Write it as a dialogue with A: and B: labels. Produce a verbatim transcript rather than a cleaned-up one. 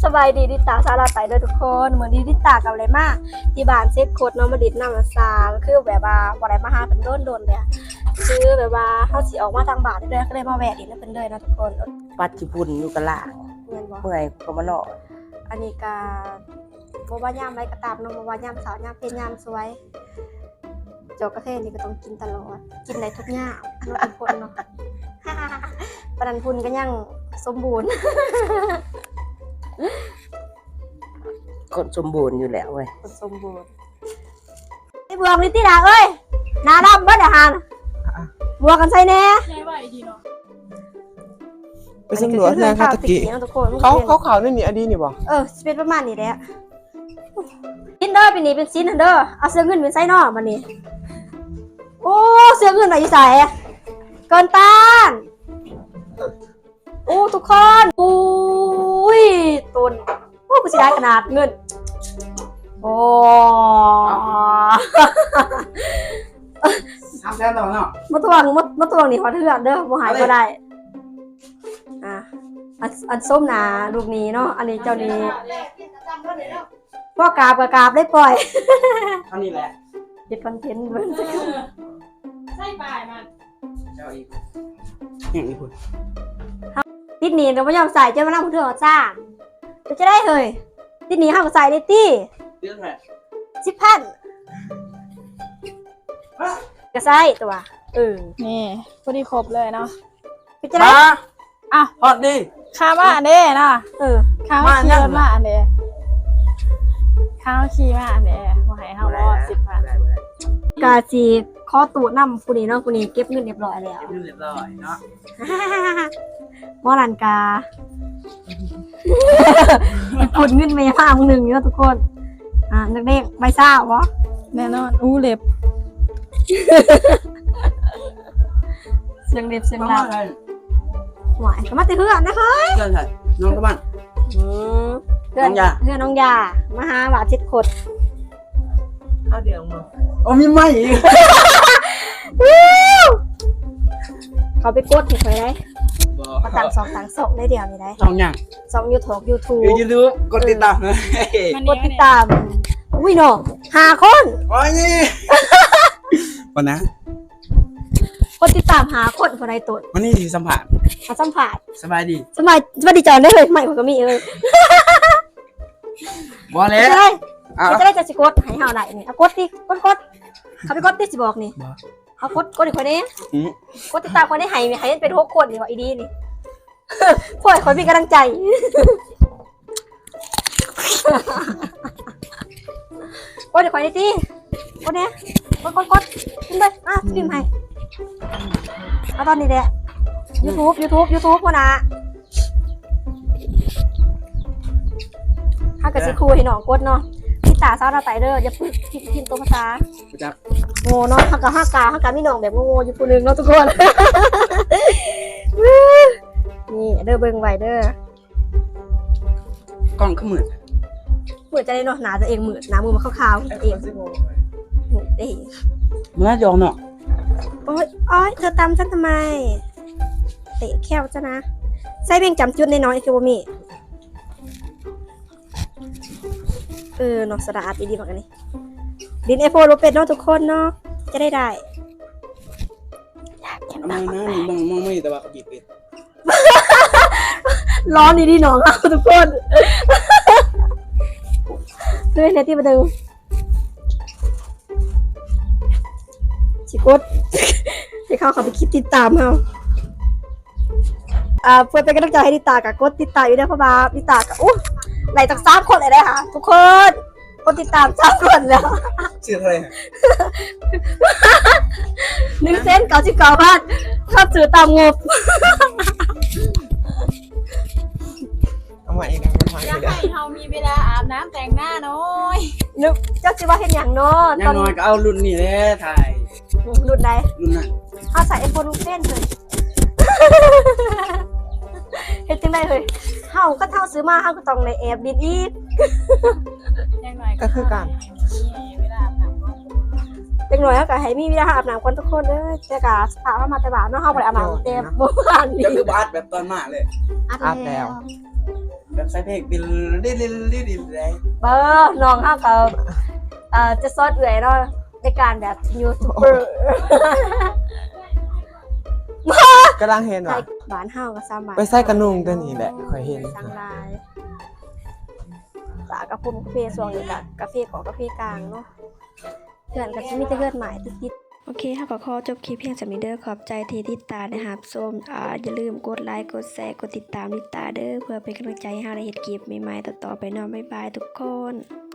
A: บายดีดิตาซาลาไตเด้อทุกคนเหมือนดีดิตากับอะไรมากที่บ้านเซ็ตโคตรน้องมาดิดน้ำมาซาก็คือแบบว่าบ่ได้มาหาเป็นโดนๆเลยคือแบบว่าเฮาสิออกมาทางบ้านเด้อก็เลยมาแวะดินเป็นเลยนะทุกคน
B: ปัดญี่ปุ่นอยู่กะลาเมื่อยก็มาเนาะ
A: อันนี้ก็บ่ว่ายามไรก็ตามเนาะบ่ว่ายามสาวยามเป็นยามสวยจอกกระเทศนี่ก็ต้องกินตลอดกินได้ทุกยามเนาะทุกคนเนาะปนันพุนก็ยังสมบูรณ์
B: คนสมบูรณ์อยู่แล้วเว้ย
A: คนสมบูรณ์ไอ้บวกนี่ติดาเอ้ยนาดำบ่ได้หานบวกกันใส่แน่ใช่ว่าอีดีเนาะ
C: ไปสำรวจงานคาตะกี้เขาเขาข่าวนี่นี่อดีนี่บ่
A: เออเป็นประมาณนี้แหละซินเด้อเป็นนี่เป็นซินเด้อเอาเสื้อเงินเป็นไซนอมันนี่โอ้เสื้อเงินไหนอยู่ใส่เกินต้านโอ้ทุกคนอุ้ยตุนโอ้กูสิได้ขนาดเงินโอ้
B: ทำแล้วเนาะ
A: มาทวงมามาทวงนี่ขอเถื่อนเด้อบ่หายก็ได้อ่ะอันอันส้มหนาลูกนี้เนาะอันนี้เจ้านี้พ่อกราบกับกราบได้ปล่อย
B: เท่านี้แหละ
A: เด็ดคอนเทนต์เบิ่ง
D: ใส่ปลายมัน
B: เจ้าอีกอย่างอีกคน
A: ติดหนีเราไม่ยอมใส่เจ้ามานั่งพูดถึงจ้างจะจะได้เฮ้ยติดหนีห้ามใส่ได้ตี้
B: เรื่องอะไร
A: สิบพันก็ใส่ตัวเออ
D: นี่พอดีครบเลยเนาะ
A: จะได้
D: อ่ะ
B: พอดี
D: ข้ามาอันเด้เนาะ
A: เออ
D: ข้าวขี่รถมาอันเด้ข้าวขี่มาอันเด้มาให้เฮารอสิบพัน
A: กาจีข้อตูดน้ำกูนี่เนาะกูนี่เก็บเงินเรียบร้อยแล้ว
B: เก็บเงินเรียบร้อยเนาะ
A: มอลันกาขุดเงินไปห้าหนึ่งเนาะทุกคนอ่านักเด็กใบซ่าวะ
D: แน่นอนอู้เล็บ
A: เสียงเล็บเสียงดังหวายก็มาติเพื่อนนะเฮ้ย
B: เพื่อนใช่น้องกระบ้าน
A: เพื่อนเพื่อนน้องยามาหาหวานชิดขด
B: เอาเดี๋ยวมาโอ้มีไหม
A: เขาไปกดถูกไหมได้มาต่างสองต่างสองได้เดียวนี่ได้
B: สองอย่าง
A: สองยูทูบยูทูบ
B: ยูทูบกดติดตามเลย
A: กดติดตามอุ้ยเนาะห้าคน
B: โอ้ยวันนะ
A: กดติดตามหาคนคนใดตัว
B: วันนี้ที่สัมผัส
A: มาสัมผัส
B: สบายดี
A: สบายสบายดีจอนได้เลยใหม่ผมก็มีเลย
B: บอลเลย
A: จะได้จะสิกดให้เฮาได้นี่เอากดดิกดกดเขาไปกดดิสิบอกนี่เอากดกดอีกคนนี้กดติดตามคนนี้ให้ให้เป็นหกคนนี่ว่าอีดีนี่พ่อคนมีกำลังใจกดอีกคนนี้ดิกดเนี่ยกดกดกดขึ้นไปอ่ะพิมพ์ให้เอาตอนนี้แหละ YouTube YouTube YouTube พ่อนะถ้าเกิดสิคุยให้น้องกดเนาะพี่ตาซาดาไตเดอร์อย่าพึ่งพิมพ์พิมพ์ตัวภาษาโง่เนาะฮักกะฮักกะฮักกะมีน้องแบบโง่อยู่คนนึงเนาะทุกคนนี่เด้อเบิ่งไว้เด้
B: อกล้องขมืด
A: มืดจะได้เนาะหนาตัวเองมืดหนามือมาขาวๆตัวเองเด้
B: เมื่อยอมเนาะ
A: โอ๊ยโอ๊ยเธอตามฉันทำไมเตะแค่วจ้ะนะใส่เบ่งจำจุดน้อยๆคือบ่มีเออเนาะสะอาดดีๆเหมือนกันนี่ดินเอโฟโรเป็ดเนาะทุกคนเนาะจะได้ได้
B: มองนะมองมองไม่แต่ว่าเขาบีบเป็ด
A: ร้อนดีๆหนองเอาทุกคนด้วยในที่มาดูชิกดให้เขาเขาไปคิดติดตามเขาอ่าเพื่อเป็นกำลังใจให้ติดตามกับกดติดตามอยู่ได้เพราะว่าติดตามกับอู้ไหลจากสามคนเลยได้ค่ะทุกคนกดติดตามสามคนแล้ว
B: ชื่ออะไร
A: หนึ่งเซนเก้าสิบเก้าพันข้าซื้อตามงบ
C: เอาใหม่อีกนะมันหาย
D: ไปแล้วให้เขามีเวลาอาบน้ำแต่งหน้าน้อย
A: นึกเจ้าจะว่าเห็นอย่างนอน
B: อย่างน้อยก็เอารุ่นนี้เลยถ่าย
A: รุ่นใด
B: รุ่นนั้น
A: เอาใส่ไอโฟนลูกเส้นเลยเห็นจังได้เลยเฮาก็เท่าซื้อมาเฮาก็ต้องในแอบดินอีก
C: ก็คือการ
A: เด็กหน่อยเฮาก็ให้มีเวลาอาบน้ำคนทุกคนเด้อแต่ก็สภาพมาแต่บ้านเนาะเฮาบ่ได้อาบน้ำเต็มบ่บ้านนี่
B: ก็คือบ้านแบบตอนมาเลย
C: อาบแล้วแบบใส่เพลงดิลดิลดิลดิลดิลได้
A: เบอร์น้องเฮาก็เอ่อจะซอดเอื่อยเนาะในการแบบยูทูบเบอร์
C: กำลังเห็น
A: ใส่
C: ว่ะ
A: บ้านเฮาก็สามารถ
C: ไปใส่กระนุ่งตัวนี้แหละค่อยเห็น
A: สังลายสากระพุ่มกาแฟส่วงนี้กับกาแฟของกาแฟกลางเนาะเพื่อนก็สิมีแต่เลือดหมายติดๆโอเคค่ะก็ขอจบคลิปเพียงสำนี้เด้อขอบใจที่ติดตามนะครับส้มอ่าอย่าลืมกดไลค์กดแชร์กดติดตามลิตาเด้อเพื่อเป็นกำลังใจให้เราได้เฮ็ดคลิปใหม่ๆต่อๆไปเนาะบ๊ายบายทุกคน